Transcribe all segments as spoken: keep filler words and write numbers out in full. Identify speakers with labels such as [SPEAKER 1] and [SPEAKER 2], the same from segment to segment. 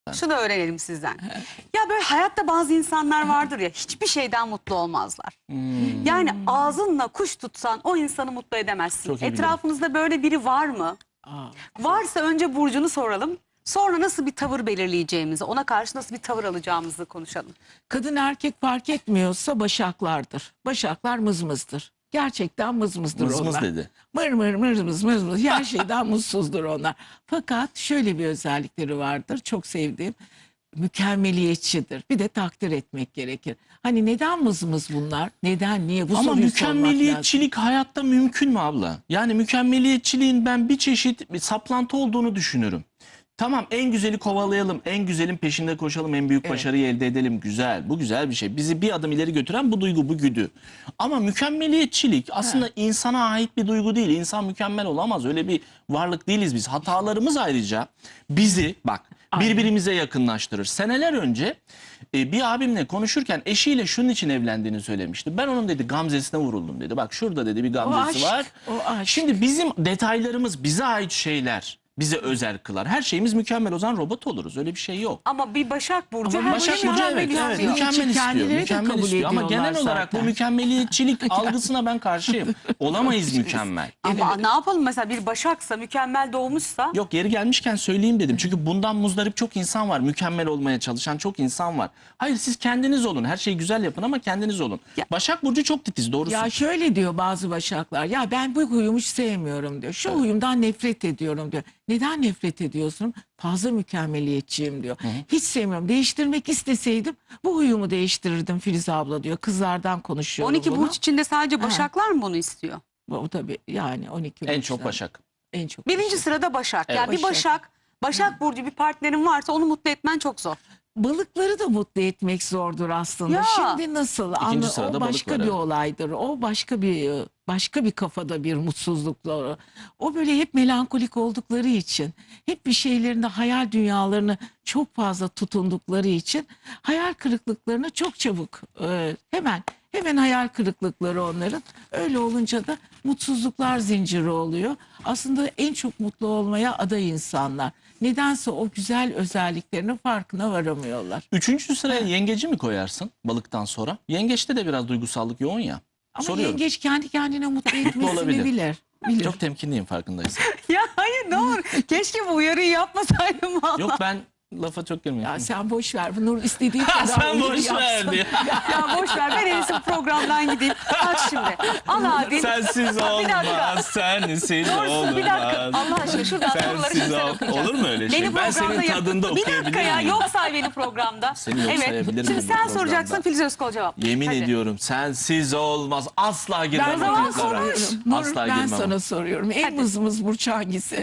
[SPEAKER 1] efendim.
[SPEAKER 2] Şunu öğrenelim sizden. Ya böyle hayatta bazı insanlar vardır ya, hiçbir şeyden mutlu olmazlar.
[SPEAKER 1] Hmm.
[SPEAKER 2] Yani ağzınla kuş tutsan o insanı mutlu edemezsin.
[SPEAKER 1] Çok iyi
[SPEAKER 2] Etrafınızda böyle biri var mı?
[SPEAKER 3] Aa,
[SPEAKER 2] Varsa önce burcunu soralım. Sonra nasıl bir tavır belirleyeceğimizi, ona karşı nasıl bir tavır alacağımızı konuşalım.
[SPEAKER 3] kadın erkek fark etmiyorsa başaklardır. Başaklar mızmızdır. Gerçekten mızmızdır
[SPEAKER 1] Mız mız
[SPEAKER 3] onlar.
[SPEAKER 1] dedi.
[SPEAKER 3] Mır mır mır mız mız mız. Her şeyden mutsuzdur onlar. Fakat şöyle bir özellikleri vardır. Çok sevdiğim. Mükemmeliyetçidir. Bir de takdir etmek gerekir. Hani neden mızmız bunlar? Neden? Niye? Bu
[SPEAKER 1] Ama
[SPEAKER 3] soruyu sormak lazım.
[SPEAKER 1] mükemmeliyetçilik hayatta mümkün mü abla? Yani mükemmeliyetçiliğin ben bir çeşit bir saplantı olduğunu düşünürüm. Tamam, en güzeli kovalayalım, en güzelin peşinde koşalım, en büyük
[SPEAKER 3] Evet.
[SPEAKER 1] başarıyı elde edelim. Güzel, bu güzel bir şey. Bizi bir adım ileri götüren bu duygu, bu güdü. Ama mükemmeliyetçilik aslında
[SPEAKER 3] Ha.
[SPEAKER 1] insana ait bir duygu değil. İnsan mükemmel olamaz. Öyle bir varlık değiliz biz. Hatalarımız ayrıca bizi bak
[SPEAKER 3] Aynen.
[SPEAKER 1] birbirimize yakınlaştırır. Seneler önce e, bir abimle konuşurken eşiyle şunun için evlendiğini söylemişti. Ben onun dedi gamzesine vuruldum dedi. Bak şurada dedi bir gamzesi
[SPEAKER 3] aşk,
[SPEAKER 1] var.
[SPEAKER 3] o aşk.
[SPEAKER 1] Şimdi bizim detaylarımız, bize ait şeyler bize özel kılar. Her şeyimiz mükemmel, o zaman robot oluruz. Öyle bir şey yok.
[SPEAKER 2] Ama bir Başak Burcu
[SPEAKER 3] Ama
[SPEAKER 2] her
[SPEAKER 1] Başak
[SPEAKER 2] şeyi
[SPEAKER 1] Burcu
[SPEAKER 2] mükemmel
[SPEAKER 1] evet, evet
[SPEAKER 2] istiyor.
[SPEAKER 1] mükemmel
[SPEAKER 3] Çünkü
[SPEAKER 1] istiyor.
[SPEAKER 3] kendileri de
[SPEAKER 1] Mükemmel
[SPEAKER 3] kabul
[SPEAKER 1] istiyor. Ama
[SPEAKER 3] ediyorlar
[SPEAKER 1] genel olarak bu
[SPEAKER 3] zaten.
[SPEAKER 1] mükemmeliyetçilik algısına ben karşıyım. Olamayız mükemmel.
[SPEAKER 2] Ama ne yapalım, mesela bir Başaksa, mükemmel doğmuşsa.
[SPEAKER 1] Yok, yeri gelmişken söyleyeyim dedim. Çünkü bundan muzdarip çok insan var. Mükemmel olmaya çalışan çok insan var. Hayır, siz kendiniz olun. Her şeyi güzel yapın ama kendiniz olun.
[SPEAKER 2] Ya-
[SPEAKER 1] Başak Burcu çok titiz, doğrusu.
[SPEAKER 3] Ya şöyle diyor bazı başaklar. Ya ben bu huyumu hiç sevmiyorum diyor. Şu
[SPEAKER 1] Evet.
[SPEAKER 3] huyumdan nefret ediyorum diyor. Neden nefret ediyorsun? Fazla mükemmeliyetçiyim diyor. Hiç sevmiyorum. Değiştirmek isteseydim bu huyumu değiştirirdim Filiz abla diyor. Kızlardan konuşuyorum
[SPEAKER 2] on iki
[SPEAKER 3] bunu.
[SPEAKER 2] burç içinde sadece Başaklar mı bunu istiyor?
[SPEAKER 3] O tabii yani on iki
[SPEAKER 1] En
[SPEAKER 3] burçlar.
[SPEAKER 1] çok Başak.
[SPEAKER 3] En çok
[SPEAKER 2] Birinci
[SPEAKER 3] Başak.
[SPEAKER 2] sırada Başak.
[SPEAKER 1] Evet.
[SPEAKER 2] Yani bir Başak, Başak Burcu bir partnerin varsa onu mutlu etmen çok zor.
[SPEAKER 3] Balıkları da mutlu etmek zordur aslında.
[SPEAKER 2] Ya.
[SPEAKER 3] Şimdi nasıl?
[SPEAKER 1] İkinci
[SPEAKER 3] Anla-
[SPEAKER 1] sırada
[SPEAKER 3] o
[SPEAKER 1] balık
[SPEAKER 3] başka
[SPEAKER 1] var,
[SPEAKER 3] bir
[SPEAKER 1] evet.
[SPEAKER 3] olaydır. O başka bir başka bir kafada bir mutsuzlukla. O böyle hep melankolik oldukları için, hep bir şeylerinde hayal dünyalarını çok fazla tutundukları için hayal kırıklıklarına çok çabuk e, hemen hemen hayal kırıklıkları onların. Öyle olunca da mutsuzluklar zinciri oluyor. Aslında en çok mutlu olmaya aday insanlar. Nedense o güzel özelliklerinin farkına varamıyorlar.
[SPEAKER 1] Üçüncü sıraya yengeci mi koyarsın balıktan sonra? Yengeçte de biraz duygusallık yoğun ya.
[SPEAKER 3] Ama
[SPEAKER 1] Soruyorum.
[SPEAKER 3] yengeç kendi kendine mutlu etmesini
[SPEAKER 1] olabilir.
[SPEAKER 3] bilir. bilir.
[SPEAKER 1] Çok temkinliyim farkındaysan.
[SPEAKER 2] Ya hayır, ne olur. Keşke bu uyarıyı yapmasaydım valla.
[SPEAKER 1] Yok, ben lafa çok girmiyorum.
[SPEAKER 3] Ya sen boş ver. Nur istediği
[SPEAKER 1] Ha,
[SPEAKER 3] kadar
[SPEAKER 1] sen
[SPEAKER 3] uyarı
[SPEAKER 1] boş ver
[SPEAKER 3] yapsın.
[SPEAKER 1] diyor.
[SPEAKER 2] Ya boş ver, ben en iyisi bu programdan gideyim. Bak şimdi. Al abi.
[SPEAKER 1] Sensiz
[SPEAKER 2] Bir dakika.
[SPEAKER 1] olmaz, sensiz
[SPEAKER 2] Doğrusu
[SPEAKER 1] olmaz.
[SPEAKER 2] bir dakika. Allah aşkına şuradan soruları
[SPEAKER 1] Sensiz
[SPEAKER 2] şimdi sen
[SPEAKER 1] ol-
[SPEAKER 2] okuyacaksın.
[SPEAKER 1] Olur mu öyle şey?
[SPEAKER 2] Beni
[SPEAKER 1] Ben senin
[SPEAKER 2] programda yap-
[SPEAKER 1] tadında
[SPEAKER 2] Bir dakika
[SPEAKER 1] okuyabilir
[SPEAKER 2] ya,
[SPEAKER 1] miyim?
[SPEAKER 2] yok say beni programda.
[SPEAKER 1] Seni yok
[SPEAKER 2] evet.
[SPEAKER 1] sayabilir
[SPEAKER 2] Şimdi
[SPEAKER 1] miyim
[SPEAKER 2] sen
[SPEAKER 1] bu
[SPEAKER 2] soracaksın,
[SPEAKER 1] programda?
[SPEAKER 2] Filiz Özkol cevap.
[SPEAKER 1] Yemin
[SPEAKER 2] Hadi.
[SPEAKER 1] ediyorum sensiz olmaz. Asla girmem
[SPEAKER 3] Ben
[SPEAKER 1] o
[SPEAKER 3] sana
[SPEAKER 1] toplara.
[SPEAKER 3] soruyorum. Nur,
[SPEAKER 1] Asla
[SPEAKER 3] ben
[SPEAKER 1] girmem.
[SPEAKER 3] sana soruyorum. En
[SPEAKER 2] Hadi.
[SPEAKER 3] mızmız burç hangisi?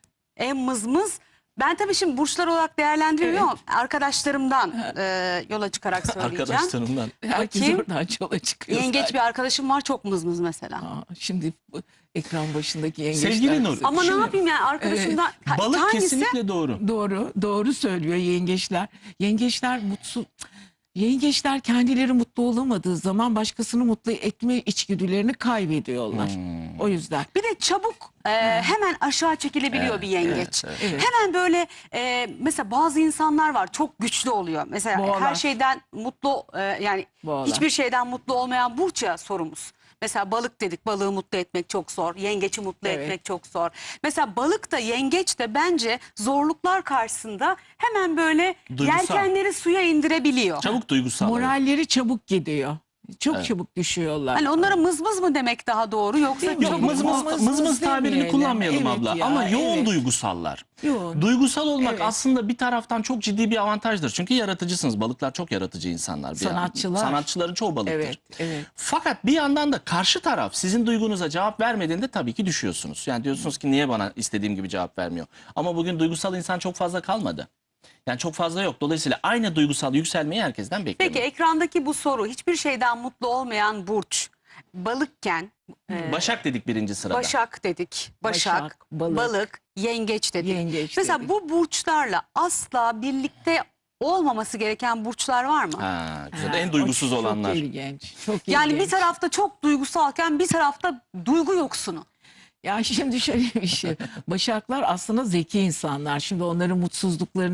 [SPEAKER 2] En mızmız. Ben tabii şimdi burçlar olarak değerlendirmiyorum ama arkadaşlarımdan e, yola çıkarak söyleyeceğim.
[SPEAKER 1] Arkadaşlarımdan.
[SPEAKER 3] Herkes
[SPEAKER 2] Bakayım.
[SPEAKER 3] oradan yola çıkıyor.
[SPEAKER 2] Yengeç
[SPEAKER 3] zaten.
[SPEAKER 2] bir arkadaşım var, çok mızmız mesela.
[SPEAKER 3] Aa, şimdi bu ekran başındaki yengeçler.
[SPEAKER 1] Sevgili Nur,
[SPEAKER 2] Ama
[SPEAKER 1] Şimdi-
[SPEAKER 2] ne yapayım yani arkadaşımdan Ha,
[SPEAKER 1] Balık
[SPEAKER 2] hangisi?
[SPEAKER 1] kesinlikle doğru.
[SPEAKER 3] Doğru, doğru söylüyor yengeçler. Yengeçler mutsuz. Yengeçler kendileri mutlu olamadığı zaman başkasını mutlu etme içgüdülerini kaybediyorlar.
[SPEAKER 1] Hmm.
[SPEAKER 3] O yüzden.
[SPEAKER 2] Bir de çabuk e, hemen aşağı çekilebiliyor
[SPEAKER 1] Evet,
[SPEAKER 2] bir yengeç.
[SPEAKER 1] evet,
[SPEAKER 3] evet.
[SPEAKER 2] Hemen böyle e, mesela bazı insanlar var çok güçlü oluyor. Mesela
[SPEAKER 3] Boğalar.
[SPEAKER 2] her şeyden mutlu e, yani
[SPEAKER 3] Boğalar.
[SPEAKER 2] hiçbir şeyden mutlu olmayan burç ya sorumuz. Mesela balık dedik, balığı mutlu etmek çok zor. Yengeci mutlu
[SPEAKER 3] Evet.
[SPEAKER 2] etmek çok zor. Mesela balık da yengeç de bence zorluklar karşısında hemen böyle
[SPEAKER 1] Duygusal.
[SPEAKER 2] yelkenleri suya indirebiliyor.
[SPEAKER 1] Çabuk duygusal. evet.
[SPEAKER 3] Moralleri çabuk gidiyor. Çok
[SPEAKER 1] Evet.
[SPEAKER 3] çabuk düşüyorlar.
[SPEAKER 2] Hani onlara mızmız mı demek daha doğru, yoksa
[SPEAKER 3] Değil mi?
[SPEAKER 1] Yok,
[SPEAKER 2] çok
[SPEAKER 1] mız mız,
[SPEAKER 3] Mız
[SPEAKER 1] mız,
[SPEAKER 3] mız
[SPEAKER 1] tabirini
[SPEAKER 3] demeyelim.
[SPEAKER 1] kullanmayalım
[SPEAKER 3] Evet
[SPEAKER 1] abla.
[SPEAKER 3] ya,
[SPEAKER 1] Ama yoğun
[SPEAKER 3] evet.
[SPEAKER 1] duygusallar.
[SPEAKER 3] Yoğun.
[SPEAKER 1] Duygusal olmak
[SPEAKER 3] Evet.
[SPEAKER 1] aslında bir taraftan çok ciddi bir avantajdır. Çünkü yaratıcısınız. Balıklar çok yaratıcı insanlar. Bir
[SPEAKER 3] Sanatçılar.
[SPEAKER 1] Sanatçıların çoğu balıktır.
[SPEAKER 3] Evet, evet.
[SPEAKER 1] Fakat bir yandan da karşı taraf sizin duygunuza cevap vermediğinde tabii ki düşüyorsunuz. Yani diyorsunuz ki niye bana istediğim gibi cevap vermiyor? Ama bugün duygusal insan çok fazla kalmadı. Yani çok fazla yok. Dolayısıyla aynı duygusal yükselmeyi herkesten bekliyorum.
[SPEAKER 2] Peki ekrandaki bu soru, hiçbir şeyden mutlu olmayan burç, balıkken, e,
[SPEAKER 1] Başak dedik birinci sırada.
[SPEAKER 2] Başak dedik, Başak,
[SPEAKER 3] Başak,
[SPEAKER 2] balık,
[SPEAKER 3] balık,
[SPEAKER 2] yengeç dedik.
[SPEAKER 3] yengeç
[SPEAKER 2] Mesela
[SPEAKER 3] dedik.
[SPEAKER 2] bu burçlarla asla birlikte olmaması gereken burçlar var mı?
[SPEAKER 1] Ha, güzel.
[SPEAKER 3] Ha,
[SPEAKER 1] En
[SPEAKER 3] o
[SPEAKER 1] duygusuz
[SPEAKER 3] çok
[SPEAKER 1] olanlar.
[SPEAKER 3] ilginç. Çok
[SPEAKER 2] Yani
[SPEAKER 3] ilginç.
[SPEAKER 2] bir tarafta çok duygusalken bir tarafta duygu yoksunu.
[SPEAKER 3] Ya şimdi şöyle bir şey. Başaklar aslında zeki insanlar. Şimdi onların mutsuzluklarını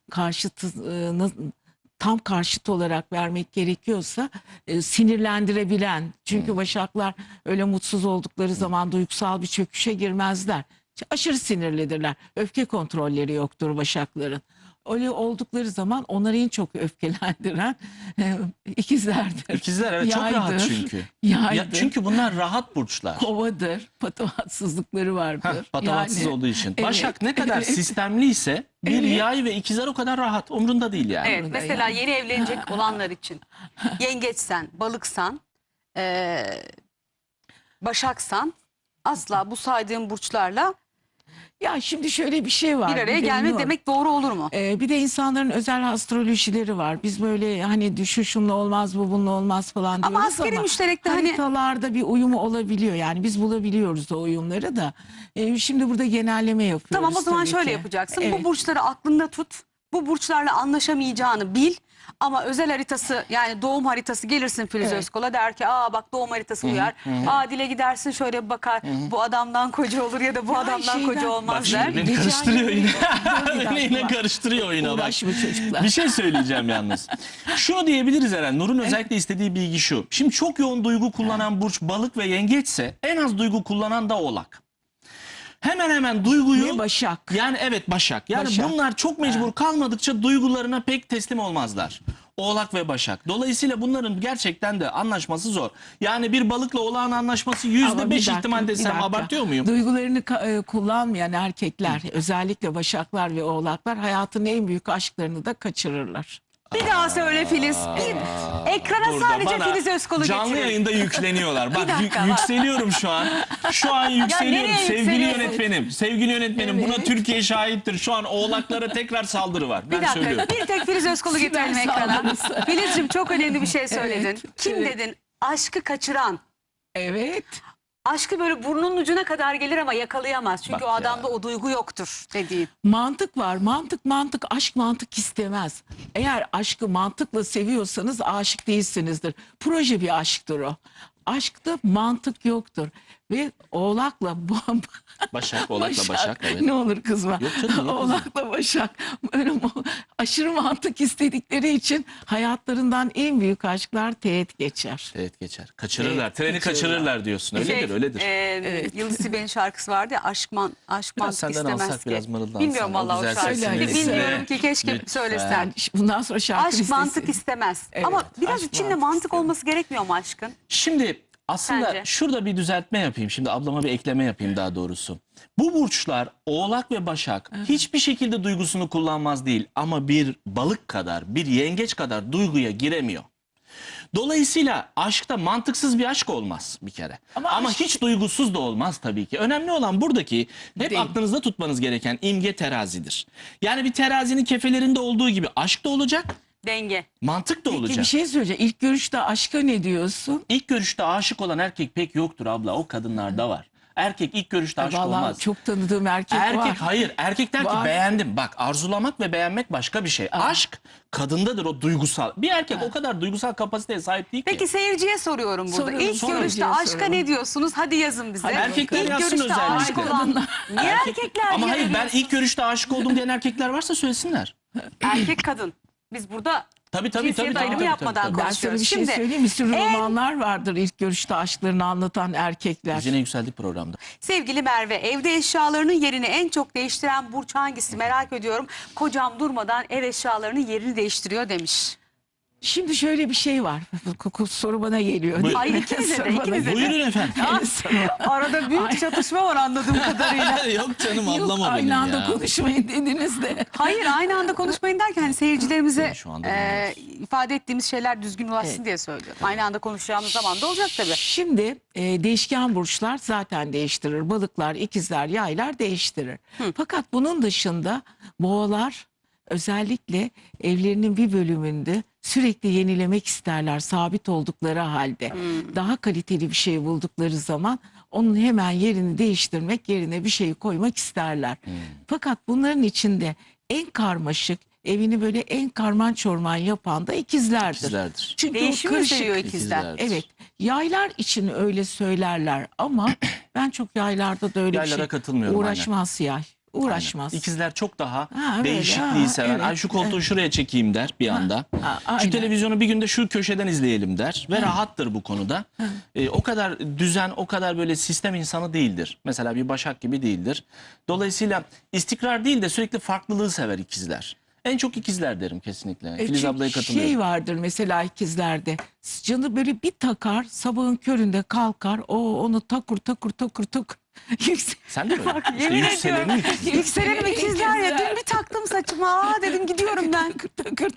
[SPEAKER 3] karşıtını tam karşıt olarak vermek gerekiyorsa e, sinirlendirebilen. Çünkü başaklar öyle mutsuz oldukları zaman duygusal bir çöküşe girmezler. Aşırı sinirlidirler. Öfke kontrolleri yoktur başakların. Öyle oldukları zaman onları en çok öfkelendiren e, ikizlerdir.
[SPEAKER 1] İkizler evet çok rahat
[SPEAKER 3] Yaydır,
[SPEAKER 1] çünkü.
[SPEAKER 3] Yaydır.
[SPEAKER 1] Ya, çünkü bunlar rahat burçlar.
[SPEAKER 3] Kovadır. Patavatsızlıkları vardır.
[SPEAKER 1] Heh, patavatsız
[SPEAKER 3] Yani,
[SPEAKER 1] olduğu için.
[SPEAKER 3] evet,
[SPEAKER 1] Başak ne kadar
[SPEAKER 3] evet.
[SPEAKER 1] sistemli ise bir
[SPEAKER 3] Evet.
[SPEAKER 1] yay ve ikizler o kadar rahat. Umrunda değil yani.
[SPEAKER 2] Evet,
[SPEAKER 3] Burada
[SPEAKER 2] mesela
[SPEAKER 3] yani.
[SPEAKER 2] yeni evlenecek olanlar için yengeçsen, balıksan, eee, başaksan asla bu saydığım burçlarla
[SPEAKER 3] Ya şimdi şöyle bir şey var.
[SPEAKER 2] bir araya
[SPEAKER 3] de
[SPEAKER 2] gelmek
[SPEAKER 3] bilmiyorum.
[SPEAKER 2] demek doğru olur mu?
[SPEAKER 3] Ee, bir de insanların özel astrolojileri var. Biz böyle hani şu şunla olmaz bu bununla olmaz falan diyoruz
[SPEAKER 2] Ama
[SPEAKER 3] ama,
[SPEAKER 2] askeri müşterekte hani
[SPEAKER 3] haritalarda bir uyumu olabiliyor. Yani biz bulabiliyoruz o uyumları da. Ee, şimdi burada genelleme yapıyoruz.
[SPEAKER 2] tamam o zaman
[SPEAKER 3] tabii
[SPEAKER 2] şöyle
[SPEAKER 3] ki.
[SPEAKER 2] yapacaksın.
[SPEAKER 3] Evet.
[SPEAKER 2] Bu burçları aklında tut. Bu burçlarla anlaşamayacağını bil. Ama özel haritası yani doğum haritası gelirsin Filiz
[SPEAKER 3] Evet.
[SPEAKER 2] Özkol'a der ki aa bak doğum haritası uyar. Aa dile gidersin şöyle bir bakar. Bu adamdan koca olur ya da bu
[SPEAKER 3] Ya
[SPEAKER 2] adamdan
[SPEAKER 3] şeyden-
[SPEAKER 2] koca
[SPEAKER 1] Bak
[SPEAKER 2] olmaz
[SPEAKER 1] şimdi
[SPEAKER 2] der.
[SPEAKER 1] beni
[SPEAKER 3] Geçen
[SPEAKER 1] karıştırıyor
[SPEAKER 3] gün-
[SPEAKER 1] yine.
[SPEAKER 3] Dur bir
[SPEAKER 1] Beni yine
[SPEAKER 3] dakika.
[SPEAKER 1] karıştırıyor oyuna bak.
[SPEAKER 3] Uğraşma çocuklar.
[SPEAKER 1] Bir şey söyleyeceğim yalnız. Şunu diyebiliriz Eren. Nur'un özellikle istediği bilgi şu. Şimdi çok yoğun duygu kullanan burç balık ve yengeçse en az duygu kullanan da oğlak. Hemen hemen duyguyu...
[SPEAKER 3] Ve Başak.
[SPEAKER 1] Yani evet Başak. Yani
[SPEAKER 3] Başak.
[SPEAKER 1] bunlar çok mecbur kalmadıkça duygularına pek teslim olmazlar. Oğlak ve Başak. Dolayısıyla bunların gerçekten de anlaşması zor. Yani bir balıkla oğlağın anlaşması
[SPEAKER 3] Ama
[SPEAKER 1] yüzde
[SPEAKER 3] bir
[SPEAKER 1] beş
[SPEAKER 3] dakika,
[SPEAKER 1] ihtimal
[SPEAKER 3] bir
[SPEAKER 1] desem
[SPEAKER 3] dakika.
[SPEAKER 1] abartıyor muyum?
[SPEAKER 3] Duygularını ka- e, kullanmayan erkekler, özellikle başaklar ve oğlaklar hayatın en büyük aşklarını da kaçırırlar.
[SPEAKER 2] Bir daha söyle Filiz. Bir, ekrana
[SPEAKER 1] Burada
[SPEAKER 2] sadece
[SPEAKER 1] bana
[SPEAKER 2] Filiz Özkol'u
[SPEAKER 1] canlı
[SPEAKER 2] getirin.
[SPEAKER 1] yayında yükleniyorlar. Bak
[SPEAKER 2] dakika,
[SPEAKER 1] yük-
[SPEAKER 2] bak.
[SPEAKER 1] yükseliyorum şu an. Şu an yükseliyorum
[SPEAKER 2] nereye
[SPEAKER 1] sevgili
[SPEAKER 2] yükseliyorsun?
[SPEAKER 1] yönetmenim. Sevgili yönetmenim buna
[SPEAKER 3] Evet.
[SPEAKER 1] Türkiye şahittir. Şu an oğlaklara tekrar saldırı var.
[SPEAKER 2] Bir
[SPEAKER 1] Ben
[SPEAKER 2] dakika
[SPEAKER 1] söylüyorum.
[SPEAKER 2] bir tek Filiz Özkol'u getirelim
[SPEAKER 3] Siber
[SPEAKER 2] ekrana.
[SPEAKER 3] saldırısı.
[SPEAKER 2] Filizciğim çok önemli bir şey söyledin.
[SPEAKER 3] Evet,
[SPEAKER 2] Kim
[SPEAKER 3] evet.
[SPEAKER 2] dedin? Aşkı kaçıran.
[SPEAKER 3] Evet.
[SPEAKER 2] Aşkı böyle burnunun ucuna kadar gelir ama yakalayamaz. Çünkü
[SPEAKER 1] Bak
[SPEAKER 2] o
[SPEAKER 1] ya.
[SPEAKER 2] adamda o duygu yoktur dediğin.
[SPEAKER 3] Mantık var. Mantık mantık. Aşk mantık istemez. Eğer aşkı mantıkla seviyorsanız aşık değilsinizdir. Proje bir aşktır o. Aşkta mantık yoktur. Ve oğlakla bu-
[SPEAKER 1] Başak, oğlakla Başak. Evet.
[SPEAKER 3] Ne olur kızma.
[SPEAKER 1] Yok canım, niye kızayım?
[SPEAKER 3] Oğlakla Başak böyle mu- aşırı mantık istedikleri için hayatlarından en büyük aşklar teğet geçer.
[SPEAKER 1] Evet geçer. Kaçırırlar.
[SPEAKER 3] Evet,
[SPEAKER 1] Treni
[SPEAKER 3] kaçırırlar.
[SPEAKER 1] kaçırırlar diyorsun. Öyledir
[SPEAKER 2] Şey,
[SPEAKER 1] öyledir.
[SPEAKER 2] e, Yıldız Tilbe'nin şarkısı vardı ya aşk, man, aşk
[SPEAKER 1] Biraz
[SPEAKER 2] mantık
[SPEAKER 1] senden
[SPEAKER 2] istemez
[SPEAKER 1] alsak
[SPEAKER 2] ki.
[SPEAKER 1] biraz mırıldansan.
[SPEAKER 2] Bilmiyorum
[SPEAKER 1] O
[SPEAKER 2] vallahi o
[SPEAKER 1] güzel
[SPEAKER 2] şarkıyı.
[SPEAKER 3] sesini
[SPEAKER 2] Bilmiyorum
[SPEAKER 1] izle.
[SPEAKER 2] ki keşke
[SPEAKER 1] Lütfen.
[SPEAKER 2] söylesen.
[SPEAKER 3] Yani bundan sonra şarkı
[SPEAKER 2] Aşk
[SPEAKER 3] listesi.
[SPEAKER 2] mantık istemez.
[SPEAKER 3] Evet,
[SPEAKER 2] Ama biraz
[SPEAKER 3] aşk
[SPEAKER 2] içinde
[SPEAKER 3] mantık
[SPEAKER 2] mantık
[SPEAKER 3] istemez.
[SPEAKER 2] olması gerekmiyor mu aşkın?
[SPEAKER 1] Şimdi aslında
[SPEAKER 2] Sence?
[SPEAKER 1] şurada bir düzeltme yapayım. Şimdi ablama bir ekleme yapayım daha doğrusu. Bu burçlar Oğlak ve Başak hiçbir şekilde duygusunu kullanmaz değil. Ama bir balık kadar, bir yengeç kadar duyguya giremiyor. Dolayısıyla aşkta mantıksız bir aşk olmaz bir kere. Ama,
[SPEAKER 3] Ama aşk-
[SPEAKER 1] hiç duygusuz da olmaz tabii ki. Önemli olan buradaki hep
[SPEAKER 3] Değil.
[SPEAKER 1] aklınızda tutmanız gereken imge terazidir. Yani bir terazinin kefelerinde olduğu gibi aşk da olacak,
[SPEAKER 2] Denge.
[SPEAKER 1] mantık da
[SPEAKER 3] Peki
[SPEAKER 1] olacak.
[SPEAKER 3] bir şey söyleyeceğim. İlk görüşte aşka ne diyorsun?
[SPEAKER 1] İlk görüşte aşık olan erkek pek yoktur abla. O kadınlarda var. Erkek ilk görüşte aşık
[SPEAKER 3] Vallahi
[SPEAKER 1] olmaz.
[SPEAKER 3] çok tanıdığım erkek,
[SPEAKER 1] Erkek
[SPEAKER 3] var.
[SPEAKER 1] hayır. Erkek der ki
[SPEAKER 3] Var.
[SPEAKER 1] beğendim. Bak arzulamak ve beğenmek başka bir şey. Aşk kadındadır o duygusal. Bir erkek o kadar duygusal kapasiteye sahip değil ki.
[SPEAKER 2] Peki seyirciye soruyorum burada.
[SPEAKER 3] Sorun,
[SPEAKER 2] İlk
[SPEAKER 3] sorun.
[SPEAKER 2] görüşte
[SPEAKER 3] Seyirciye
[SPEAKER 2] aşka
[SPEAKER 3] sorun.
[SPEAKER 2] ne diyorsunuz? Hadi yazın bize.
[SPEAKER 3] Hadi
[SPEAKER 1] Erkekler
[SPEAKER 2] İlk
[SPEAKER 1] yazsın
[SPEAKER 2] görüşte aşık
[SPEAKER 1] özellikle.
[SPEAKER 2] olan. Niye erkekler
[SPEAKER 1] Ama
[SPEAKER 2] diye
[SPEAKER 1] hayır ben
[SPEAKER 2] veriyorsun?
[SPEAKER 1] ilk görüşte aşık oldum diyen erkekler varsa söylesinler.
[SPEAKER 2] Erkek kadın. Biz burada
[SPEAKER 1] Tabii tabii
[SPEAKER 2] cinsiyet
[SPEAKER 1] tabii. tabii,
[SPEAKER 2] ayrımı
[SPEAKER 1] tabii,
[SPEAKER 2] yapmadan
[SPEAKER 1] tabii, tabii.
[SPEAKER 3] Ben sana
[SPEAKER 2] konuşuyoruz.
[SPEAKER 3] bir şey
[SPEAKER 2] Şimdi
[SPEAKER 3] söyleyeyim. Bir sürü
[SPEAKER 2] en-
[SPEAKER 3] romanlar vardır ilk görüşte aşklarını anlatan erkekler.
[SPEAKER 1] Biz yine yükseldik programda.
[SPEAKER 2] sevgili Merve, evde eşyalarının yerini en çok değiştiren burç hangisi merak ediyorum. Kocam durmadan ev eşyalarının yerini değiştiriyor demiş.
[SPEAKER 3] Şimdi şöyle bir şey var. Soru bana geliyor.
[SPEAKER 1] Buyur.
[SPEAKER 2] Hayır ikinize de
[SPEAKER 3] Soru bana
[SPEAKER 2] ikinize de.
[SPEAKER 1] Buyurun efendim.
[SPEAKER 3] geliyor.
[SPEAKER 2] Arada büyük çatışma var anladığım kadarıyla.
[SPEAKER 1] Yok canım
[SPEAKER 3] Yok,
[SPEAKER 1] ablam o benim
[SPEAKER 3] aynı anda
[SPEAKER 1] ya.
[SPEAKER 3] konuşmayın dediniz de.
[SPEAKER 2] Hayır aynı anda konuşmayın derken hani seyircilerimize
[SPEAKER 1] Şu anda
[SPEAKER 2] e, ifade ettiğimiz şeyler düzgün ulaşsın
[SPEAKER 3] Evet.
[SPEAKER 2] diye söylüyorum. Aynı anda konuşacağımız zaman da olacak tabii.
[SPEAKER 3] Şimdi e, değişken burçlar zaten değiştirir. Balıklar, ikizler, yaylar değiştirir. Fakat bunun dışında boğalar özellikle evlerinin bir bölümünde sürekli yenilemek isterler sabit oldukları halde. Daha kaliteli bir şey buldukları zaman onun hemen yerini değiştirmek, yerine bir şey koymak isterler. Fakat bunların içinde en karmaşık, evini böyle en karman çorman yapan da ikizlerdir.
[SPEAKER 1] İkizlerdir.
[SPEAKER 3] Çünkü o
[SPEAKER 2] Değişimi
[SPEAKER 3] karışık-
[SPEAKER 2] seviyor ikizler.
[SPEAKER 1] İkizlerdir.
[SPEAKER 3] Evet. Yaylar için öyle söylerler ama ben çok yaylarda da öyle
[SPEAKER 1] Yaylara
[SPEAKER 3] bir şey
[SPEAKER 1] katılmıyorum,
[SPEAKER 3] uğraşmaz yay. uğraşmaz.
[SPEAKER 1] İkizler çok daha
[SPEAKER 3] Ha, öyle,
[SPEAKER 1] değişikliği
[SPEAKER 3] ha,
[SPEAKER 1] seven.
[SPEAKER 3] evet,
[SPEAKER 1] Ay şu koltuğu şuraya çekeyim der bir anda.
[SPEAKER 3] ha,
[SPEAKER 1] Şu
[SPEAKER 3] aynen.
[SPEAKER 1] televizyonu bir günde şu köşeden izleyelim der ve rahattır bu konuda. Ee, o kadar düzen, o kadar böyle sistem insanı değildir. Mesela bir Başak gibi değildir. Dolayısıyla istikrar değil de sürekli farklılığı sever ikizler. En çok ikizler derim kesinlikle.
[SPEAKER 3] E,
[SPEAKER 1] Filiz
[SPEAKER 3] çünkü
[SPEAKER 1] ablaya katılıyorum.
[SPEAKER 3] şey vardır mesela ikizlerde. Canı böyle bir takar, sabahın köründe kalkar. O onu takur takur takur takur. Yüksel-
[SPEAKER 1] Sen de mi öyle? İşte
[SPEAKER 2] Yemin
[SPEAKER 1] yükselenin
[SPEAKER 2] ediyorum.
[SPEAKER 1] ikizler.
[SPEAKER 2] Yükselenim ikizler ya. Dün bir taktım saçıma. Aa dedim gidiyorum ben.
[SPEAKER 3] takır takır.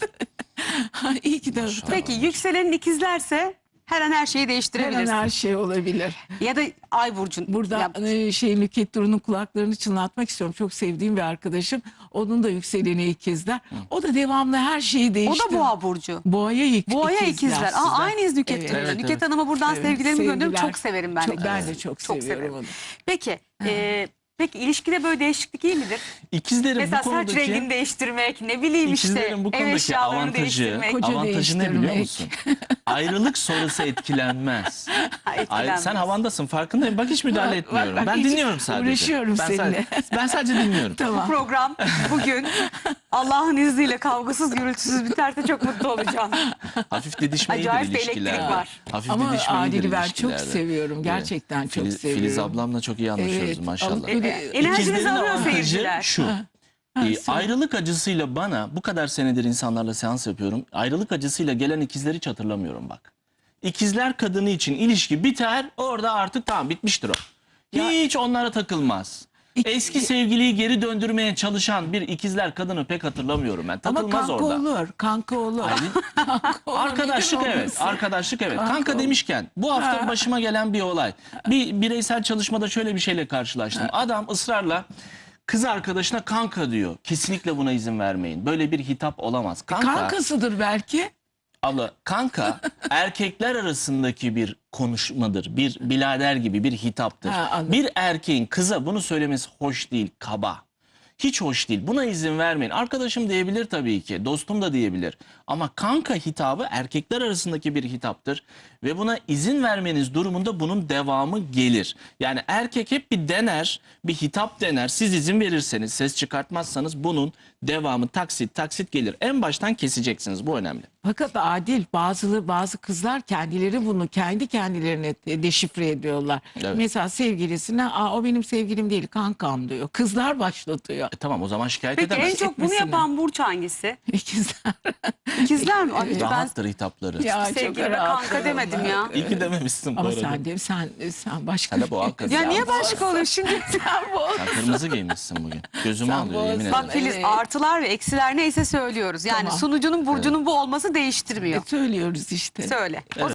[SPEAKER 3] Ha, İyi ki de
[SPEAKER 2] Peki yükselenin ikizlerse her an her şeyi
[SPEAKER 3] her an
[SPEAKER 2] değiştirebilirsin.
[SPEAKER 3] her şey olabilir.
[SPEAKER 2] Ya da ay burcun.
[SPEAKER 3] Burada
[SPEAKER 2] Ya,
[SPEAKER 3] e, şey Nükhet Duru'nun kulaklarını çınlatmak istiyorum. Çok sevdiğim bir arkadaşım. Onun da yükseleni ikizler. O da devamlı her şeyi
[SPEAKER 2] o
[SPEAKER 3] değiştiriyor.
[SPEAKER 2] da boğa burcu.
[SPEAKER 3] Boğaya ik-
[SPEAKER 2] Boğaya
[SPEAKER 3] ikizler.
[SPEAKER 2] ikizler. Aa,
[SPEAKER 1] Sizden.
[SPEAKER 2] aynıyız Nüket
[SPEAKER 3] Evet.
[SPEAKER 2] Hanım'la.
[SPEAKER 1] Evet,
[SPEAKER 2] Nüket
[SPEAKER 1] evet.
[SPEAKER 2] Hanım'a buradan
[SPEAKER 3] Evet,
[SPEAKER 2] sevgilerimi gönderiyorum.
[SPEAKER 3] sevgiler.
[SPEAKER 2] Çok severim ben.
[SPEAKER 3] Çok-
[SPEAKER 2] de.
[SPEAKER 3] ben de çok,
[SPEAKER 2] Çok
[SPEAKER 3] seviyorum
[SPEAKER 2] severim.
[SPEAKER 3] onu.
[SPEAKER 2] Peki, e, peki ilişkide böyle değişiklik iyi midir?
[SPEAKER 1] İkizlerin
[SPEAKER 2] Mesela
[SPEAKER 1] bu
[SPEAKER 2] saç
[SPEAKER 1] konudaki...
[SPEAKER 2] rengini değiştirmek, ne bileyim işte
[SPEAKER 1] İkizlerin bu
[SPEAKER 2] ev
[SPEAKER 1] konudaki
[SPEAKER 2] eşyalarını
[SPEAKER 1] avantajı,
[SPEAKER 2] değiştirmek.
[SPEAKER 3] Koca
[SPEAKER 1] avantajı ne biliyor
[SPEAKER 3] değiştirmek.
[SPEAKER 1] musun? Ayrılık sonrası etkilenmez. Ay,
[SPEAKER 2] etkilenmez.
[SPEAKER 1] sen havandasın farkındayım. Bak hiç müdahale
[SPEAKER 3] Bak,
[SPEAKER 1] etmiyorum.
[SPEAKER 3] bak,
[SPEAKER 1] ben
[SPEAKER 3] hiç
[SPEAKER 1] dinliyorum sadece.
[SPEAKER 3] uğraşıyorum
[SPEAKER 1] ben
[SPEAKER 3] seninle.
[SPEAKER 1] Sadece, ben sadece dinliyorum.
[SPEAKER 2] Bu
[SPEAKER 3] Tamam.
[SPEAKER 2] program bugün Allah'ın izniyle kavgasız gürültüsüz biterse çok mutlu olacağım.
[SPEAKER 1] Hafif didişme iyidir
[SPEAKER 2] Acayip bir elektrik
[SPEAKER 1] ilişkilerde.
[SPEAKER 2] var.
[SPEAKER 1] Hafif
[SPEAKER 3] Ama
[SPEAKER 1] didişme iyidir
[SPEAKER 3] Adil'i ben çok
[SPEAKER 1] ilişkilerde.
[SPEAKER 3] seviyorum. Gerçekten çok
[SPEAKER 1] Filiz,
[SPEAKER 3] seviyorum.
[SPEAKER 1] Filiz ablamla çok iyi anlaşıyoruz
[SPEAKER 3] Evet,
[SPEAKER 1] maşallah.
[SPEAKER 3] ama böyle-
[SPEAKER 2] E, enerjinizi
[SPEAKER 1] İkizlerin
[SPEAKER 2] alıyor
[SPEAKER 1] avantajı
[SPEAKER 2] seyirciler.
[SPEAKER 1] şu.
[SPEAKER 3] Ha,
[SPEAKER 1] Ee,
[SPEAKER 3] söyle.
[SPEAKER 1] ayrılık acısıyla bana bu kadar senedir insanlarla seans yapıyorum. Ayrılık acısıyla gelen ikizleri hiç hatırlamıyorum bak. İkizler kadını için ilişki biter orada artık tamam bitmiştir o. Hiç onlara takılmaz.
[SPEAKER 3] İki-
[SPEAKER 1] Eski sevgiliyi geri döndürmeye çalışan bir ikizler kadını pek hatırlamıyorum ben.
[SPEAKER 3] Ama
[SPEAKER 1] Takılmaz
[SPEAKER 3] kanka
[SPEAKER 1] orada.
[SPEAKER 3] olur. Kanka olur.
[SPEAKER 1] Aylin,
[SPEAKER 3] Kanka olur,
[SPEAKER 1] arkadaşlık
[SPEAKER 3] neden
[SPEAKER 1] evet.
[SPEAKER 3] olmasın?
[SPEAKER 1] Arkadaşlık evet.
[SPEAKER 3] Kanka
[SPEAKER 1] Kanka
[SPEAKER 3] olur.
[SPEAKER 1] demişken bu hafta
[SPEAKER 3] Ha.
[SPEAKER 1] başıma gelen bir olay. Bir bireysel çalışmada şöyle bir şeyle karşılaştım. Adam ısrarla kız arkadaşına kanka diyor. Kesinlikle buna izin vermeyin. Böyle bir hitap olamaz. Kanka,
[SPEAKER 3] Kankasıdır belki.
[SPEAKER 1] abla kanka erkekler arasındaki bir konuşmadır. Bir birader gibi bir hitaptır.
[SPEAKER 3] Ha, anladım.
[SPEAKER 1] Bir erkeğin kıza bunu söylemesi hoş değil, kaba. Hiç hoş değil. Buna izin vermeyin. Arkadaşım diyebilir tabii ki. Dostum da diyebilir. Ama kanka hitabı erkekler arasındaki bir hitaptır. Ve buna izin vermeniz durumunda bunun devamı gelir. Yani erkek hep bir dener, bir hitap dener. Siz izin verirseniz, ses çıkartmazsanız bunun devamı taksit taksit gelir. En baştan keseceksiniz. Bu önemli.
[SPEAKER 3] Fakat Adil bazı bazı kızlar kendileri bunu kendi kendilerine de- deşifre ediyorlar.
[SPEAKER 1] Evet.
[SPEAKER 3] Mesela sevgilisine Aa, o benim sevgilim değil kankam diyor. Kızlar başlatıyor.
[SPEAKER 1] E tamam o zaman şikayet
[SPEAKER 2] Peki en
[SPEAKER 1] edemez.
[SPEAKER 2] çok bunu
[SPEAKER 3] etmesine.
[SPEAKER 2] yapan burç hangisi?
[SPEAKER 3] İkizler.
[SPEAKER 2] İkizler mi? Ay, ben
[SPEAKER 1] Rahattır hitapları.
[SPEAKER 3] Ya, çok
[SPEAKER 2] sevgilime
[SPEAKER 3] rahat
[SPEAKER 2] kanka demedim ya.
[SPEAKER 1] İyi ki dememişsin bu
[SPEAKER 3] Ama
[SPEAKER 1] arada.
[SPEAKER 3] sen de sen sen başka.
[SPEAKER 1] Sen de boğa kızı.
[SPEAKER 2] Ya niye başka olur şimdi?
[SPEAKER 3] Sen bu.
[SPEAKER 1] Sen kırmızı giymişsin bugün. Gözümü
[SPEAKER 3] Sen
[SPEAKER 1] alıyor
[SPEAKER 3] boğaz-
[SPEAKER 1] yemin ederim.
[SPEAKER 2] Bak Filiz
[SPEAKER 3] Evet.
[SPEAKER 2] artılar ve eksiler neyse söylüyoruz. Yani
[SPEAKER 3] Tamam.
[SPEAKER 2] sunucunun burcunun bu olması değiştirmiyor.
[SPEAKER 3] Söylüyoruz işte.
[SPEAKER 2] Söyle.